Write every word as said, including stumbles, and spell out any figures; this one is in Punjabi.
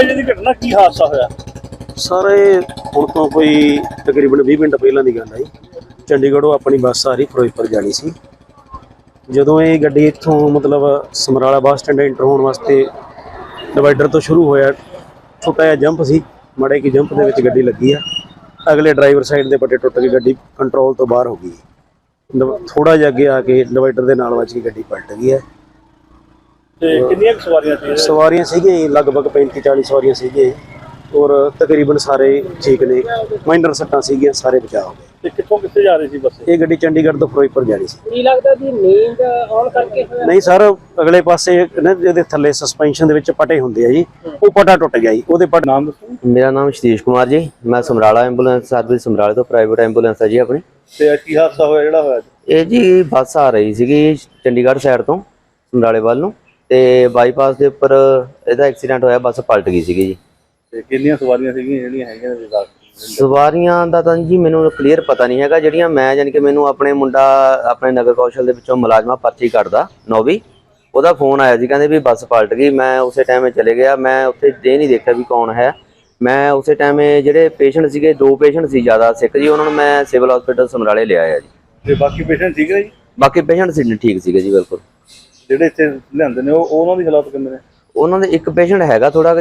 ਵਜੇ ਦੀ ਘਟਨਾ, ਕੀ ਹਾਦਸਾ ਹੋਇਆ? ਸਰ ਇਹ ਹੁਣ ਤੋਂ ਕੋਈ ਤਕਰੀਬਨ ਵੀਹ ਮਿੰਟ ਪਹਿਲਾਂ ਦੀ ਗੱਲ ਹੈ ਜੀ। ਚੰਡੀਗੜ੍ਹੋਂ ਆਪਣੀ ਬੱਸ ਆ ਰਹੀ ਫਿਰੋਜ਼ਪੁਰ ਜਾਣੀ ਸੀ। ਜਦੋਂ ਇਹ ਗੱਡੀ ਇੱਥੋਂ ਮਤਲਬ ਸਮਰਾਲਾ ਬੱਸ ਸਟੈਂਡ ਐਂਟਰ ਹੋਣ ਵਾਸਤੇ ਡਿਵਾਈਡਰ ਤੋਂ ਸ਼ੁਰੂ ਹੋਇਆ, ਛੋਟਾ ਜਿਹਾ ਜੰਪ ਸੀ, ਮਾੜੇ ਕੀ ਜੰਪ ਦੇ ਵਿੱਚ ਗੱਡੀ ਲੱਗੀ ਆ। ਅਗਲੇ ਡਰਾਈਵਰ ਸਾਈਡ ਦੇ ਪੱਟੇ ਟੁੱਟ ਕੇ ਗੱਡੀ ਕੰਟਰੋਲ ਤੋਂ ਬਾਹਰ ਹੋ ਗਈ। ਥੋੜਾ ਜਿਹਾ ਅੱਗੇ ਆ ਕੇ ਡਿਵਾਈਡਰ ਦੇ ਨਾਲ ਵੱਜ ਕੇ ਗੱਡੀ ਪਲਟ ਗਈ ਹੈ। ਤੇ ਕਿੰਨੀਆਂ ਕੁ ਸਵਾਰੀਆਂ ਸੀ? ਸਵਾਰੀਆਂ ਸੀਗੀਆਂ ਲਗਭਗ ਪੈਂਤੀ ਚਾਲੀ ਸਵਾਰੀਆਂ ਸੀਗੀਆਂ ਔਰ ਤਕਰੀਬਨ ਸਾਰੇ ਠੀਕ ਨੇ, ਮਾਈਨਰ ਸੱਟਾਂ ਸੀਗੀਆਂ, ਸਾਰੇ ਬਚਾਅ ਹੋ ਗਏ। ਤੇ ਕਿੱਥੋਂ ਕਿੱਥੇ ਜਾ ਰਹੀ ਸੀ ਬੱਸ? ਇਹ ਗੱਡੀ ਚੰਡੀਗੜ੍ਹ ਤੋਂ ਫਿਰੋਜ਼ਪੁਰ ਜਾਣੀ ਸੀ। ਕੀ ਲੱਗਦਾ ਜੀ ਨੀਂਦ ਆਉਣ ਕਰਕੇ ਹੋਇਆ? ਨਹੀਂ ਸਰ, ਅਗਲੇ ਪਾਸੇ ਨਾ ਜਿਹਦੇ ਥੱਲੇ ਸਸਪੈਂਸ਼ਨ ਦੇ ਵਿੱਚ ਪਟੇ ਹੁੰਦੇ ਆ ਜੀ, ਉਹ ਪਟਾ ਟੁੱਟ ਗਿਆ ਜੀ। ਉਹਦੇ ਪਟ ਨਾਮ ਦੱਸੋ। ਮੇਰਾ ਨਾਮ ਸਤੀਸ਼ ਕੁਮਾਰ ਜੀ, ਮੈਂ ਸਮਰਾਲਾ ਐਂਬੂਲੈਂਸ ਸਰਵਿਸ ਸਮਰਾਲੇ ਤੋਂ ਪ੍ਰਾਈਵੇਟ ਐਂਬੂਲੈਂਸ ਹੈ ਜੀ ਆਪਣੀ। ਤੇ ਕੀ ਹਾਦਸਾ ਹੋਇਆ ਜਿਹੜਾ ਹੋਇਆ? ਇਹ ਜੀ ਬੱਸ ਆ ਰਹੀ ਸੀਗੀ ਚੰਡੀਗੜ੍ਹ ਸਾਈਡ ਤੋਂ ਸਮਰਾਲੇ ਵੱਲ ਨੂੰ, ਤੇ ਬਾਈਪਾਸ ਦੇ ਉੱਪਰ ਇਹਦਾ ਐਕਸੀਡੈਂਟ ਹੋਇਆ, ਬੱਸ ਪਲਟ ਗਈ ਸੀਗੀ ਜੀ। ਤੇ ਕਿੰਨੀਆਂ ਸਵਾਰੀਆਂ ਸੀਗੀਆਂ ਜਿਹੜੀਆਂ ਹੈਗੀਆਂ ਨੇ? ਸਵਾਰੀਆਂ ਦਾ ਤਾਂ ਜੀ ਮੈਨੂੰ ਕਲੀਅਰ ਪਤਾ ਨਹੀਂ ਹੈਗਾ। ਜਿਹੜੀਆਂ ਮੈਂ ਯਾਨੀ ਕਿ ਮੈਨੂੰ ਆਪਣੇ ਮੁੰਡਾ ਆਪਣੇ ਨਗਰ ਕੌਸ਼ਲ ਦੇ ਵਿੱਚੋਂ ਮੁਲਾਜ਼ਮਾ ਪਰਚੀ ਕੱਢਦਾ ਨੌਵੀਂ, ਉਹਦਾ ਫੋਨ ਆਇਆ ਸੀ, ਕਹਿੰਦੇ ਵੀ ਬੱਸ ਪਲਟ ਗਈ। ਮੈਂ ਉਸੇ ਟਾਈਮ ਚਲੇ ਗਿਆ, ਮੈਂ ਉੱਥੇ ਇਹ ਨਹੀਂ ਦੇਖਿਆ ਵੀ ਕੌਣ ਹੈ। ਮੈਂ ਉਸੇ ਟਾਈਮ ਜਿਹੜੇ ਪੇਸ਼ੈਂਟ ਸੀਗੇ, ਦੋ ਪੇਸ਼ੈਂਟ ਸੀ ਜ਼ਿਆਦਾ ਸਿੱਖ ਜੀ, ਉਹਨਾਂ ਨੂੰ ਮੈਂ ਸਿਵਲ ਹਸਪੀਟਲ ਸਮਰਾਲੇ ਲਿਆਇਆ ਜੀ। ਤੇ ਬਾਕੀ ਪੇਸ਼ੈਂਟ ਠੀਕ ਨੇ ਜੀ? ਬਾਕੀ ਪੇਸ਼ੈਂਟ ਸੀ ਠੀਕ ਸੀਗੇ ਜੀ, ਬਿਲਕੁਲ। ਜਿਹੜੇ ਇੱਥੇ ਲਿਆਂਦੇ ਨੇ ਉਹ ਉਹਨਾਂ ਦੀ ਹਾਲਾਤ ਕਿੰਨੇ ਨੇ? ਉਹਨਾਂ ਦੇ ਇੱਕ ਪੇਸ਼ੈਂਟ ਹੈਗਾ ਥੋੜਾ